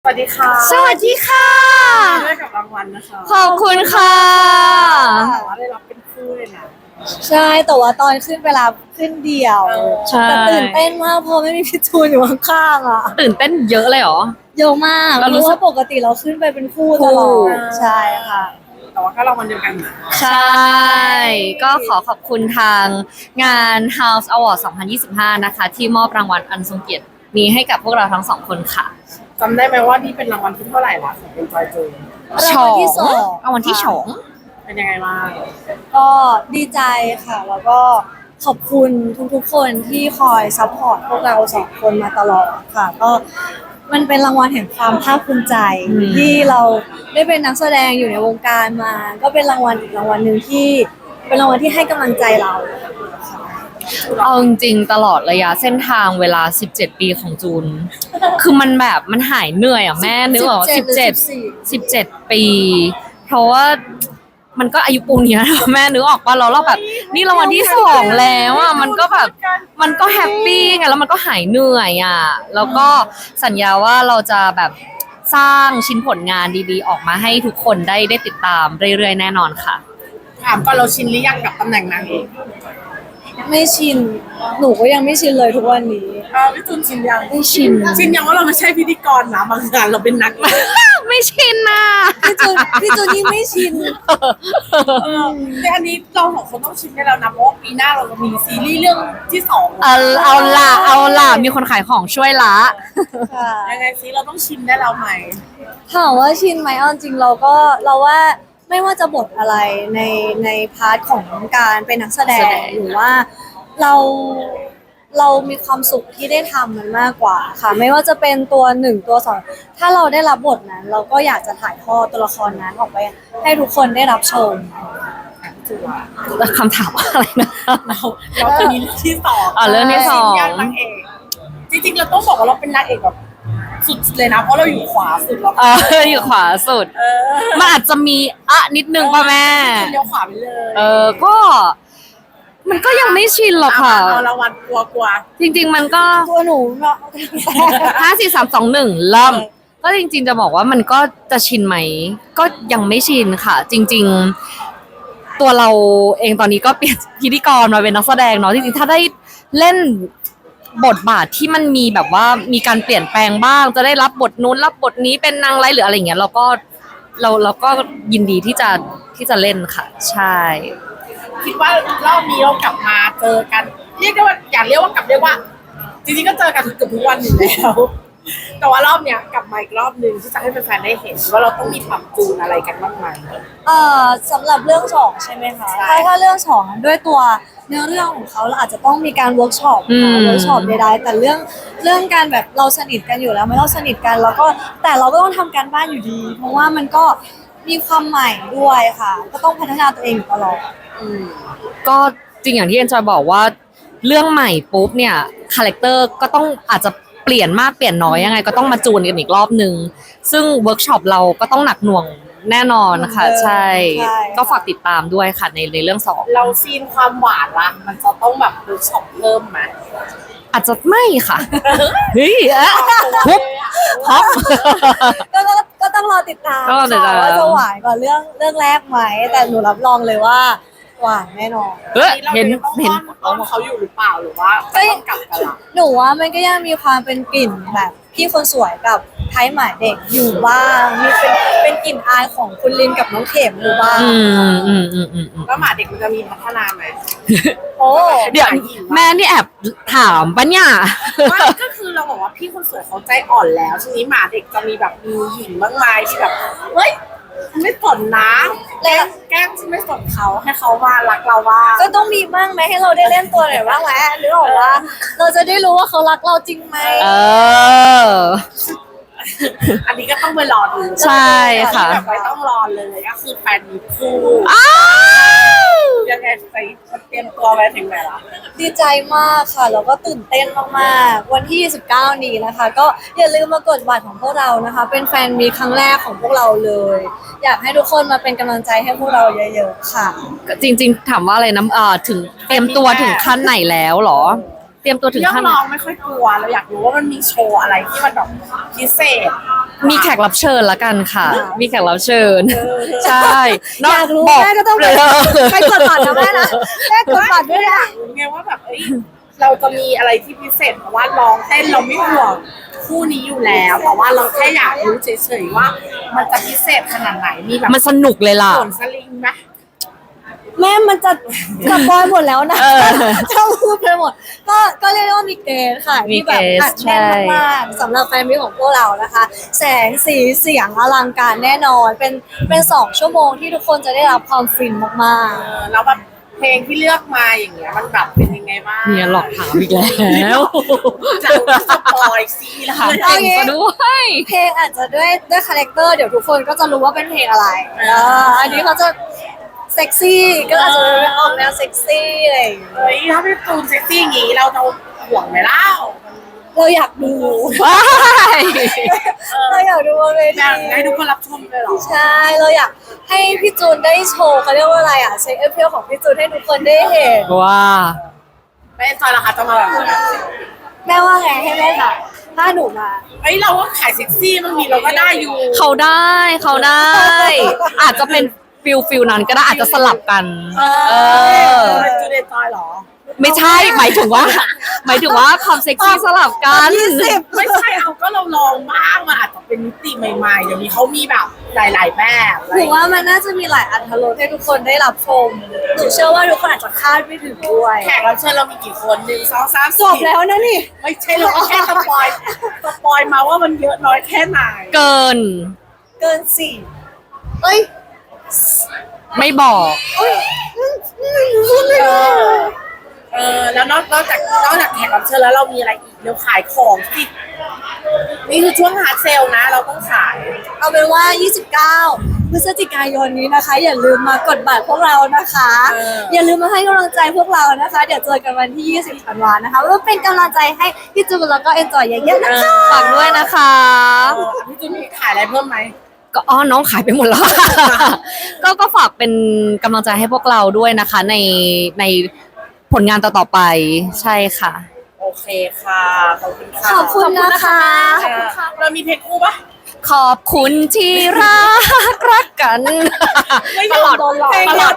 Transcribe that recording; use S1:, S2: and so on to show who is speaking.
S1: สวัสดีค่ะ
S2: สวัสดีค่ะ
S1: ได้กับรางวัลนะคะ
S2: ขอบคุณค่ะ
S1: แต่ว่าได้รับเป็นคู่เลยนะ
S3: ใช่แต่ว่าตอนขึ้นเวลาขึ้นเดี่ยว
S2: ใช่
S3: แต่ตื่นเต้นมากเพราะไม่มีพี่จูนอยู่ข้างๆอ่ะ
S2: ตื่นเต้นเยอะเลยเหรอ
S3: เยอะมาก
S2: เรารู้
S3: เพราะ
S2: สึก
S3: ว่าปกติเราขึ้นไปเป็นคู่ตลอดใช่ค่ะ
S1: แต่ว่าก็รางวัลเดียวกันนะ
S2: ใช่ ก็ขอขอบคุณทางงาน House Award 2025 นะคะ ที่มอบรางวัลอันทรงเกียรตินี้ให้กับพวกเราทั้งสองคนค่ะ
S1: จำได้ไหมว่านี่เป็นรางวัลที่เท่าไหร่ละของเป็นจอยจูน
S3: รางวัลที่สอง
S2: รางวัลที่สอง
S1: เป็นยังไงบ้าง
S3: ก็ดีใจค่ะ แล้วก็ขอบคุณทุกๆคนที่คอยซัพพอร์ตพวกเราสองคนมาตลอดค่ะ ก็มันเป็นรางวัลแห่งความภาคภูมิใจที่เราได้เป็นนักแสดงอยู่ในวงการมา ก็เป็นรางวัลอีกรางวัลหนึ่งที่เป็นรางวัลที่ให้กำลังใจเราค่ะ
S2: เอาจริงๆตลอดระยะเส้นทางเวลา 17 ปีของจูน คือมันแบบมันหายเหนื่อยอ่ะแม่นึกออก17 ปี เพราะว่ามันก็อายุปูนเนี้ย แม่นึกออกว่าเราแบบนี่รางวัลที่สองแล้วอ่ะมันก็แบบมันก็แฮปปี้ไงแล้วมันก็หายเหนื่อยอ่ะแล้วก็สัญญาว่าเราจะแบบสร้างชิ้นผลงานดีๆ ออกมาให้ทุกคนได้ติดตามเรื่อยๆแน่นอนค่ะ
S1: ถามก่อนเราชินหรือยังกับตำแหน่งนางเอก
S3: ไม่ชิน หนูก็ยังไม่ชินเลยทุกวันนี้
S1: พี่จูนชินยัง
S3: ไม่ชิน
S1: ชินยังว่าเราไม่ใช่พิธีกรนะบางงานเราเป็นนักเอก
S2: ไม่ชินน่ะ
S3: พี่จูนยิ่งไม่ชิน
S1: แต่อันนี้เราสองคนต้องชินได้แล้วนะเพราะว่าปีหน้าเราจะมีซีรีส์เรื่องที่สอง
S2: เอาล่ะมีคนขายของช่วยละ
S3: ค่ะ
S1: ยังไงซิเราต้องชินได้แล้วไหม
S3: ถามว่าชินไหมเอาจริงเราว่าไม่ว่าจะบทอะไรในพาร์ทของการเป็นนักแสดงหรือว่าเรามีความสุขที่ได้ทำมันมากกว่าค่ะ ไม่ว่าจะเป็นตัวหนึ่งตัวสองถ้าเราได้รับบทนั้น เราก็อยากจะถ่ายทอดตัวละครนั้นออกไป ให้ทุกคนได้รับชม
S2: คำถามว่าอะไรนะ
S1: เราจะมีเรื่องที่สอง
S2: เรื่องที่สอง
S1: ชินยังนางเอกจริงๆเราต้องบอกว่าเราเป็นนางเอกแบบสุดเลยนะเพราะเราอยู่ขวาสุดเรา
S2: อยู่ขวาสุด
S1: เออ
S2: มันอาจจะมีนิดนึงป่ะแม่
S1: เลี้ยวขวาไปเลย
S2: ก็มันก็ยังไม่ชินหรอกค่ะ
S1: เอารางวัลกลัว
S2: จริงๆมันก็
S3: ตัวหนูเนาะ
S2: 5 4 3 2 1เริ่มก็จริงๆจะบอกว่ามันก็จะชินไหม ก็ยังไม่ชินค่ะ จริงๆ ตัวเราเองตอนนี้ก็เปลี่ยนพิธีกรมาเป็นนักแสดงเนาะจริงๆถ้าได้เล่นบทบาทที่มันมีแบบว่ามีการเปลี่ยนแปลงบ้าง จะได้รับบทนู้นรับบทนี้เป็นนางร้ายหรืออะไรอย่างเงี้ยเราก็ยินดีที่จะเล่นค่ะ ใช่
S1: ๆคิดว่ารอบนี้เรากลับมาเจอกันเรียกได้ว่าอย่าเรียกว่ากลับเรียกว่า จริงๆก็เจอกันเกือบทุกวันอยู่แล้ว แต่ว่ารอบเนี้ยกลับมาอีกรอบนึงที่จะให้แฟนๆได้เห็นว่าเราต้องมีปรับจูนอะไรกันบ้างไหม
S3: สำหรับเรื่องสองใช่ไหมคะ
S1: ใช่
S3: ถ้าเรื่องสองด้วยตัวเนื้อเรื่องของเขาเราอาจจะต้องมีการเวิร์กช็อปเวิร์กช็อปใดๆแต่เรื่องการแบบเราสนิทกันอยู่แล้วไม่เราสนิทกันแล้วก็แต่เราก็ต้องทำการบ้านอยู่ดี เพราะว่ามันก็มีความใหม่ด้วยค่ะ ก็ต้องพัฒนาตัวเองอยู่ตลอด
S2: ก็จริงอย่างที่เอ็นจอยบอกว่าเรื่องใหม่ปุ๊บเนี่ยคาแรคเตอร์ก็ต้องอาจจะเปลี่ยนมากเปลี่ยนน้อยยังไงก็ต้องมาจูนกันอีกรอบนึงซึ่งเวิร์กช็อปเราก็ต้องหนักหน่วงแน่นอนค่ะใช่
S3: ใช่
S2: ก็ฝากติดตามด้วยค่ะในเรื่องสอง
S1: เราซีนความหวานละมันจะต้องแบบเวิร์กช็อปเพิ่มไหม
S2: อาจจะไม่ค่ะเฮ้ยทุบท็อป
S3: ก็ต้องรอติดตาม
S2: ต้องรอติดตาม
S3: ค่ะว่าจะหวานกว่าเรื่องแรกไหมแต่หนูรับรองเลยว่าหวานแน่นอน
S2: เห็น
S1: เราต้องเขาอยู่หรือเปล่าหรือว่าก็ต้องกลับกันละ
S3: หนูว่ามันก็ยังมีความเป็นกลิ่นแบบพี่คนสวยกับไทยหมาเด็กอยู่บ้างมีเป็นกลิ่นอายของคุณลินกับน้องเข็มอยู่บ้าง
S1: แล้วหมาเด็กมันจะมีพัฒนาไหม
S3: โอ้
S2: เดี๋ยวแม่นี่แอบถามปะเนี่ย
S1: ไม่ก็คือเราบอกว่าพี่คนสวยเขาใจอ่อนแล้วทีนี้หมาเด็กจะมีแบบมีหญิงบ้างไหมที่แบบเฮ้ยไม่สนนะแกล้งที่ไม่สนเขาให้เขามารักเราว่า
S3: ก็ต้องมีบ้างไหมให้เราได้เล่นตัวหน่อยบ้างไหมหรือบอกว่าเราจะได้รู้ว่าเขารักเราจริงไหม
S2: เออ
S1: อันนี้ก็ต้องไปรอดู
S2: ใช่ค่ะ
S1: แบบไม่ต้องรอเลยก็คือแฟนมีคู่
S2: อ้าว
S1: ยังไงไปเตรียมตัวไปถึงไหนละ
S3: ดีใจมากค่ะแล้วก็ตื่นเต้นมากๆวันที่ 29 นี้นะคะ ก็อย่าลืมมากดบัตรของพวกเรานะคะ เป็นแฟนมีครั้งแรกของพวกเราเลย อยากให้ทุกคนมาเป็นกำลังใจให้พวกเราเยอะๆค่ะ
S2: จริงๆถามว่าอะไรนะถึงเตรียมตัวถึงขั้นไหนแล้วเหรอเตรียมตัวถึง
S1: เรื่อง
S2: ขั้น
S1: ร้องไม่ค่อยกลัวเราอยากรู้ว่ามันมีโชว์อะไรที่มันแบบพิเศษ
S2: มีแขกรับเชิญละกันค่ะ มีแขกรับเชิญ ใช่
S3: อยากรู้
S2: บ
S3: แม่ก็ต้องไปกดบัตรนะแม่นะแม่กดบัตรด้วยนะ
S1: ไงว่าแบบเราจะมีอะไรที่พิเศษเพราะว่าร้องเต้นเราไม่ห่วงคู่นี้อยู่แล้วแต่ว่าเราแค่อยากรู้เฉยๆว่า มันจะพิเศษขนาดไหนมีแบบ
S2: มันสนุกเลยล่ะ
S1: โขนสลิงไหม
S3: แม่มันจะสปอยหมดแล้วนะ
S2: เออ
S3: ถ้าพูดไปหมด ก็เรียกได้ว่ามีเกณฑ์ค่ะ
S2: มี
S3: ที่แบบ
S2: เกณฑ์
S3: อัดแน่นมากๆสำหรับแฟนมิตรของพวกเรานะคะ แสงสีเสียงอลังการแน่นอน เป็น2 ชั่วโมงที่ทุกคนจะได้รับความฟินมาก
S1: แล้วแบบเพลงที่เลือกมาอย่างเงี้ยมันแบบเป็นยังไงบ้าง
S2: เนี่ยหลอกถามอีกแล้ว
S1: จะสปอยซีแล้ว
S2: ถามเก่งซะด้วย
S3: ๆ เพลงอาจจะด้วยคาแรคเตอร์เดี๋ยวทุกคนก็จะรู้ว่าเป็นเพลงอะไรอันนี้เขาจะเซ็กซี่ก็อาจจะออกแนวเซ็กซี่อะไรอย่างเงี้ย
S1: เฮ้ยถ้าพี่ตูนเซ็กซี่อย่างงี้เราจะห่วงไหมเล่า
S3: เราอยากดู
S2: ว้าย
S3: เราอยากดูบนเว
S1: อยาก
S3: ที
S1: ให้ทุกคนรับชมเลยเหรอ
S3: ใช่ เราอยากให้พี่จูนได้โชว์เขาเรียกว่าอะไรเช็คเอฟเฟลของพี่จูนให้ทุกคนได้เห็น
S2: ว้า
S1: ไม่จอยราคาจะมาแบบไหน
S3: แม่ว่าไงให้แม่ถ่ายถ้าหนูมา
S1: เฮ้ยเราก็ขายเซ็กซี่มันมีเราก็ได้อยู่
S2: เขาได้ อาจจะเป็นฟิลนั้นก็ได้อาจจะสลับกัน เออ
S1: เป็นจูเดนจอยเหรอ
S2: ไม่ใช่หมายถึงว่าความเซ็กซี่สลับกัน
S1: ไม่ใช่เอาก็เราลองบ้างมันอาจจะเป็นมิติใหม่ๆเดี๋ยวนี้เขามีแบบหลายๆแบบ
S3: หนูว่ามันน่าจะมีหลายอรรถรสให้ทุกคนได้รับชม หนูเชื่อว่าทุกคนอาจจะคาดไม่ถึงด้วย
S1: แขกรับเชิญเรามีกี่คน1 2 3
S3: จบแล้วนะนี่
S1: ไม่ใช่เราก็แค่สปอยมาว่ามันเยอะน้อยแค่ไหน
S2: เกิน
S3: เกิน4เอ้ย
S2: ไม่บอก
S3: พูดไม่ได้
S1: แล้วนอกจากแขกรับเชิญแล้วเรามีอะไรอีกเราขายของสินี่คือช่วงฮาร์ดเซลนะ เราต้องขาย
S3: เอาเป็นว่า 29 พฤศจิกายนนี้นะคะ อย่าลืมมากดบัตรพวกเรานะคะ อย่าลืมมาให้กำลังใจพวกเรานะคะ เดี๋ยวเจอกันวันที่ 20 ธันวานะคะว่าเป็นกำลังใจให้พี่จูนแล้วก็เอ็นจอยเยอะๆนะคะ
S2: ฝากด้วยนะคะ
S1: พี่จูนมีขายอะไรเพิ่มไหม
S2: ก็น้องขายไปหมดแล้ว ก็ฝากเป็นกำลังใจให้พวกเราด้วยนะคะ ในผลงานต่อๆไปใช่ค่ะ
S1: โอเคค่ะ ขอบคุณค่ะ
S3: ขอบคุณนะคะ
S1: เรามีเพลงคู่ปะ
S2: ขอบคุณที่รักกัน
S1: ไม่
S2: ตลอด
S1: โดนหลอก
S2: ตลอด